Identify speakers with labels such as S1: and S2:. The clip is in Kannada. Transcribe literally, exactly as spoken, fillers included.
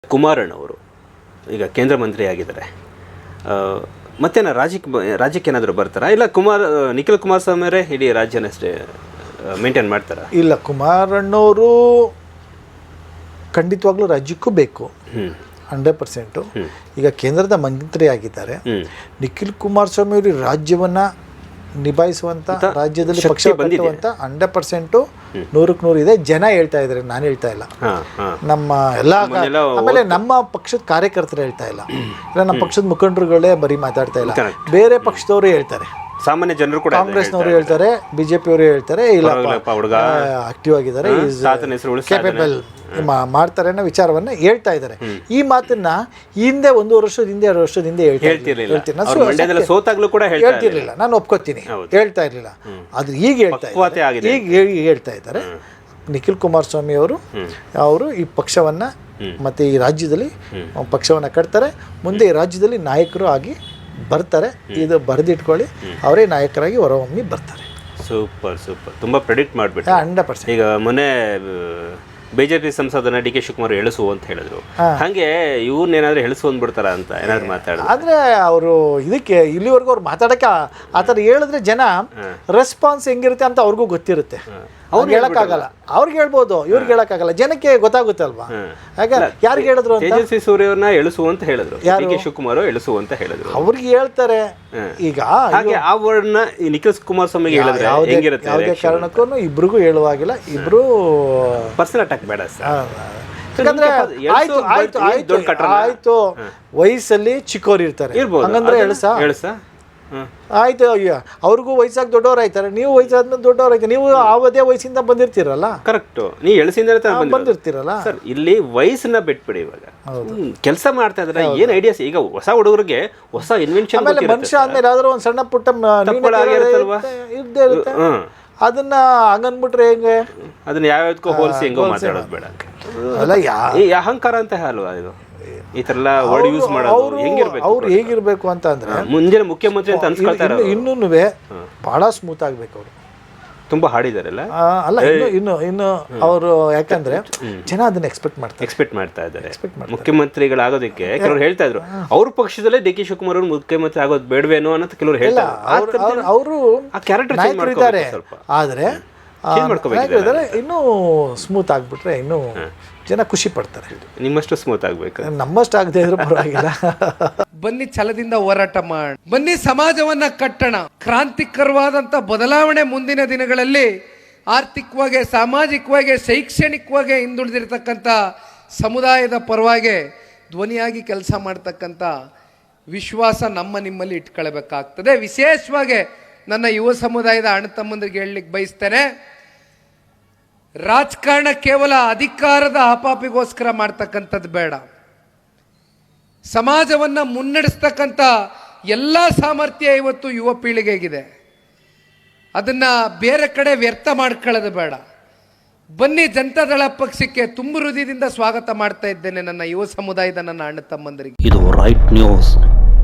S1: ಕುಮಾರಣ್ಣ ಅವರು ಈಗ ಕೇಂದ್ರ ಮಂತ್ರಿ ಆಗಿದ್ದಾರೆ. ಮತ್ತೇನ ರಾಜ್ಯಕ್ಕೆ ರಾಜ್ಯಕ್ಕೆ ಏನಾದರೂ ಬರ್ತಾರಾ ಇಲ್ಲ ಕುಮಾರ್ ನಿಖಿಲ್ ಕುಮಾರಸ್ವಾಮಿ ಅವರೇ ಇಡೀ ರಾಜ್ಯನಷ್ಟೇ ಮೇಂಟೈನ್ ಮಾಡ್ತಾರಾ?
S2: ಇಲ್ಲ, ಕುಮಾರಣ್ಣವರು ಖಂಡಿತವಾಗ್ಲೂ ರಾಜ್ಯಕ್ಕೂ ಬೇಕು, ಹಂಡ್ರೆಡ್ ಪರ್ಸೆಂಟು. ಈಗ ಕೇಂದ್ರದ ಮಂತ್ರಿ ಆಗಿದ್ದಾರೆ. ನಿಖಿಲ್ ಕುಮಾರಸ್ವಾಮಿ ಅವರು ರಾಜ್ಯವನ್ನು ನಿಭಾಯಿಸುವಂಥ, ರಾಜ್ಯದಲ್ಲಿ ಪಕ್ಷ ಕಟ್ಟುವಂಥ ಹಂಡ್ರೆಡ್ ಪರ್ಸೆಂಟು ನೂರಕ್ಕೆ ನೂರು ಇದೆ. ಜನ ಹೇಳ್ತಾ ಇದ್ದಾರೆ, ನಾನು ಹೇಳ್ತಾ ಇಲ್ಲ. ನಮ್ಮ ಎಲ್ಲ ಆಮೇಲೆ ನಮ್ಮ ಪಕ್ಷದ ಕಾರ್ಯಕರ್ತರು ಹೇಳ್ತಾ ಇಲ್ಲ, ಇಲ್ಲ ನಮ್ಮ ಪಕ್ಷದ ಮುಖಂಡರುಗಳೇ ಬರೀ ಮಾತಾಡ್ತಾ ಇಲ್ಲ, ಬೇರೆ ಪಕ್ಷದವರು ಹೇಳ್ತಾರೆ,
S1: ಸಾಮಾನ್ಯ ಜನರು ಕೂಡ,
S2: ಕಾಂಗ್ರೆಸ್ನವರು ಹೇಳ್ತಾರೆ, ಬಿಜೆಪಿ ಅವರು ಹೇಳ್ತಾರೆ, ಇಲ್ಲ ಆಕ್ಟಿವ್ ಆಗಿದ್ದಾರೆ, ಕೇಪಬಲ್ ಮಾಡ್ತಾರೆ ಅನ್ನೋ ವಿಚಾರವನ್ನ ಹೇಳ್ತಾ ಇದ್ದಾರೆ. ಈ ಮಾತನ್ನ ಹಿಂದೆ ಒಂದು ವರ್ಷದ ಹಿಂದೆ ಎರಡು ವರ್ಷದ ಹಿಂದೆ ಹೇಳ್ತಿರ್ಲಿಲ್ಲ, ನಾನು ಒಪ್ಕೋತೀನಿ, ಹೇಳ್ತಾ ಇರ್ಲಿಲ್ಲ. ಆದ್ರೆ ಈಗ ಹೇಳ್ತಾ ಇದ್ದಾರೆ, ಈಗ ಹೇಳ್ತಾ ಇದ್ದಾರೆ. ನಿಖಿಲ್ ಕುಮಾರಸ್ವಾಮಿ ಅವರು ಅವರು ಈ ಪಕ್ಷವನ್ನ ಮತ್ತೆ ಈ ರಾಜ್ಯದಲ್ಲಿ ಪಕ್ಷವನ್ನ ಕಟ್ತಾರೆ, ಮುಂದೆ ಈ ರಾಜ್ಯದಲ್ಲಿ ನಾಯಕರು ಆಗಿ ಬರ್ತಾರೆ. ಇದು ಬರೆದಿಟ್ಕೊಳ್ಳಿ, ಅವರೇ ನಾಯಕರಾಗಿ ಹೊರಹೊಮ್ಮಿ ಬರ್ತಾರೆ.
S1: ಸೂಪರ್ ಸೂಪರ್, ತುಂಬ ಪ್ರೆಡಿಕ್ಟ್ ಮಾಡಿಬಿಟ್ಟು
S2: ಹಂಡ್ರೆಡ್ ಪರ್ಸೆಂಟ್.
S1: ಈಗ ಮೊನ್ನೆ ಬಿಜೆಪಿ ಸಂಸದನ ಡಿ ಕೆ ಶಿವಕುಮಾರ್ ಎಳಿಸು ಅಂತ ಹೇಳಿದ್ರು, ಹಾಗೆ ಇವ್ರನ್ನೇನಾದ್ರೂ ಎಳಿಸು ಅಂದ್ಬಿಡ್ತಾರ ಅಂತ ಏನಾದ್ರು ಮಾತಾಡಿದ್ರು.
S2: ಆದರೆ ಅವರು ಇದಕ್ಕೆ ಇಲ್ಲಿವರೆಗೂ ಅವ್ರು ಮಾತಾಡೋಕ್ಕೆ ಆ ಥರ ಹೇಳಿದ್ರೆ ಜನ ರೆಸ್ಪಾನ್ಸ್ ಹೆಂಗಿರುತ್ತೆ ಅಂತ ಅವ್ರಿಗೂ ಗೊತ್ತಿರುತ್ತೆ. ಅವ್ರಿಗೆ ಹೇಳಕ್ಕಾಗಲ್ಲ, ಅವ್ರಿಗೆ ಹೇಳ್ಬೋದು, ಇವ್ರಿಗೆ ಹೇಳಕ್ಕಾಗಲ್ಲ, ಜನಕ್ಕೆ ಗೊತ್ತಾಗುತ್ತೆ ಅಲ್ವಾ? ಯಾಕೆ ಯಾರಿಗೆ ಹೇಳಿದ್ರು?
S1: ತೇಜಸ್ವಿ ಸೂರ್ಯವ್ರನ್ನ ಎಳಿಸು ಅಂತ ಹೇಳಿದ್ರು, ಡಿ ಕೆ ಶಿವಕುಮಾರ್ ಎಳಿಸು ಅಂತ ಹೇಳಿದ್ರು.
S2: ಅವ್ರಿಗೆ ಹೇಳ್ತಾರೆ. ಈಗ
S1: ಹಾಗೆ ಆ ವರ್ಡ್ನ ನಿಖಿಲ್ ಕುಮಾರಸ್ವಾಮಿಗೆ ಹೇಳಿದ್ರೆ ಹೆಂಗಿರುತ್ತೆ?
S2: ಯಾವುದೇ ಕಾರಣಕ್ಕೂ ಇಬ್ರಿಗೂ ಹೇಳುವಾಗಿಲ್ಲ, ಇಬ್ರು
S1: ಪರ್ಸನಲ್ ಅಟ್ಯಾಕ್ ಬೇಡ ಸರ್.
S2: ಯಾಕಂದ್ರೆ ಆಯ್ತು ಆಯ್ತು ಆಯ್ತು ಆಯ್ತು ವಯಸ್ಸಲ್ಲಿ ಚಿಕ್ಕವ್ರು ಇರ್ತಾರೆ, ಹಂಗಂದ್ರೆ ಎಳ್ಸ
S1: ಎಳ್ಸ
S2: ಆಯ್ತು. ಅಯ್ಯ ಅವ್ರಿಗೂ ವಯಸ್ಸಾಗಿ ದೊಡ್ಡವ್ರು ಆಯ್ತಾರೆ, ನೀವು ವಯಸ್ಸಾದ್ಮೇಲೆ ದೊಡ್ಡವ್ರು ಆಯ್ತು, ನೀವು ಅದೇ ವಯಸ್ಸಿಂದ ಬಂದಿರ್ತೀರಲ್ಲ.
S1: ಕರೆಕ್ಟ್, ನೀವು ಎಳಸಿಂದ
S2: ಬಂದಿರ್ತೀರಲ್ಲ
S1: ಸರ್. ಇಲ್ಲಿ ವಯಸ್ಸನ್ನ ಬಿಟ್ಬಿಡಿ, ಇವಾಗ ಕೆಲಸ ಮಾಡ್ತಾ ಇದ್ರೆ ಏನ್ ಐಡಿಯಾಸ್. ಈಗ ಹೊಸ ಹುಡುಗರಿಗೆ ಹೊಸ ಇನ್ವೆನ್ಷನ್,
S2: ಆಮೇಲೆ ಮನುಷ್ಯ ಆದ್ಮೇಲೆ ಯಾವ್ದಾದ್ರು ಒಂದ್ ಸಣ್ಣ ಪುಟ್ಟ ಇದ್ದೇ ಇರುತ್ತೆ, ಅದನ್ನ ಹಂಗನ್ಬಿಟ್ರೆ ಹೆಂಗೆ?
S1: ಅದನ್ನ ಯಾವ್ಯಾವ್ದಕ್ಕೂ ಹೋಲಿಸಿ ಹೆಂಗೋ ಮಾತಾಡೋದು ಬೇಡ.
S2: ಅಲ್ಲ,
S1: ಈ ಅಹಂಕಾರ ಅಂತ ಅಲ್ವಾ ಇದು? ಈ ತರ ಎಲ್ಲ ವರ್ಡ್ ಯೂಸ್ ಮಾಡೋದು ಹೆಂಗಿರ್ಬೇಕು?
S2: ಅವ್ರು ಹೇಗಿರ್ಬೇಕು ಅಂತ ಅಂದ್ರೆ
S1: ಮುಂದಿನ ಮುಖ್ಯಮಂತ್ರಿ ಅಂತ ಅನ್ಸ್ಕೊಳ್ತಾರೆ.
S2: ಇನ್ನೂ ಬಹಳ ಸ್ಮೂತ್ ಆಗ್ಬೇಕು. ಅವರು
S1: ತುಂಬಾ ಹಾಡಿದಾರಲ್ಲ.
S2: ಅಲ್ಲ, ಇನ್ನು ಇನ್ನು ಇನ್ನು ಅವರು ಯಾಕಂದ್ರೆ ಜನ ಅದನ್ನ ಎಕ್ಸ್ಪೆಕ್ಟ್ ಮಾಡ್ತಾರೆ,
S1: ಎಕ್ಸ್ಪೆಕ್ಟ್ ಮಾಡ್ತಾ ಇದ್ದಾರೆ ಮುಖ್ಯಮಂತ್ರಿಗಳಾಗೋದಕ್ಕೆ. ಕೆಲವರು ಹೇಳ್ತಾ ಇದ್ರು ಅವ್ರ ಪಕ್ಷದಲ್ಲೇ ಡಿ ಕೆ ಶಿವಕುಮಾರ್ ಅವರು ಮುಖ್ಯಮಂತ್ರಿ ಆಗೋದು ಬೇಡವೇನೋ ಅನ್ನೋದು ಕೆಲವರು ಹೇಳ್ತಾರೆ.
S2: ಅವರು
S1: ಆ ಕ್ಯಾರೆಕ್ಟರ್ ಚೇಂಜ್ ಮಾಡ್ತಾರೆ.
S2: ಆದ್ರೆ ಇನ್ನೂ ಸ್ಮೂತ್ ಆಗ್ಬಿಟ್ರೆ ಇನ್ನೂ ಜನ ಖುಷಿ ಪಡ್ತಾರೆ.
S1: ನಿಮ್ಮಷ್ಟು ಸ್ಮೂತ್ ಆಗ್ಬೇಕು,
S2: ನಮ್ಮಷ್ಟು ಆಗದೆ ಇದ್ರೂ ಪರವಾಗಿಲ್ಲ.
S3: ಬನ್ನಿ ಛಲದಿಂದ ಹೋರಾಟ ಮಾಡಿ, ಬನ್ನಿ ಸಮಾಜವನ್ನ ಕಟ್ಟಣ. ಕ್ರಾಂತಿಕರವಾದಂಥ ಬದಲಾವಣೆ ಮುಂದಿನ ದಿನಗಳಲ್ಲಿ ಆರ್ಥಿಕವಾಗಿ, ಸಾಮಾಜಿಕವಾಗಿ, ಶೈಕ್ಷಣಿಕವಾಗಿ ಹಿಂದುಳಿದಿರ್ತಕ್ಕಂಥ ಸಮುದಾಯದ ಪರವಾಗಿ ಧ್ವನಿಯಾಗಿ ಕೆಲಸ ಮಾಡ್ತಕ್ಕಂಥ ವಿಶ್ವಾಸ ನಮ್ಮ ನಿಮ್ಮಲ್ಲಿ ಇಟ್ಕೊಳ್ಬೇಕಾಗ್ತದೆ. ವಿಶೇಷವಾಗಿ ನನ್ನ ಯುವ ಸಮುದಾಯದ ಅಣ್ಣ ತಮ್ಮಂದ್ರಿಗೆ ಹೇಳಲಿಕ್ಕೆ ಬಯಸ್ತೇನೆ, ರಾಜಕಾರಣ ಕೇವಲ ಅಧಿಕಾರದ ಆಪಾಪಿಗೋಸ್ಕರ ಮಾಡ್ತಕ್ಕಂಥದ್ದು ಬೇಡ. ಸಮಾಜವನ್ನು ಮುನ್ನಡೆಸ್ತಕ್ಕಂಥ ಎಲ್ಲ ಸಾಮರ್ಥ್ಯ ಇವತ್ತು ಯುವ ಪೀಳಿಗೆಗಿದೆ. ಅದನ್ನ ಬೇರೆ ಕಡೆ ವ್ಯರ್ಥ ಮಾಡ್ಕೊಳ್ಳೋದು ಬೇಡ. ಬನ್ನಿ ಜನತಾದಳ ಪಕ್ಷಕ್ಕೆ ತುಂಬ ಹೃದಯದಿಂದ ಸ್ವಾಗತ ಮಾಡ್ತಾ ಇದ್ದೇನೆ ನನ್ನ ಯುವ ಸಮುದಾಯದ ನನ್ನ ಅಣ್ಣ ತಮ್ಮಂದರಿಗೆ.
S4: ಇದು ರೈಟ್ ನ್ಯೂಸ್.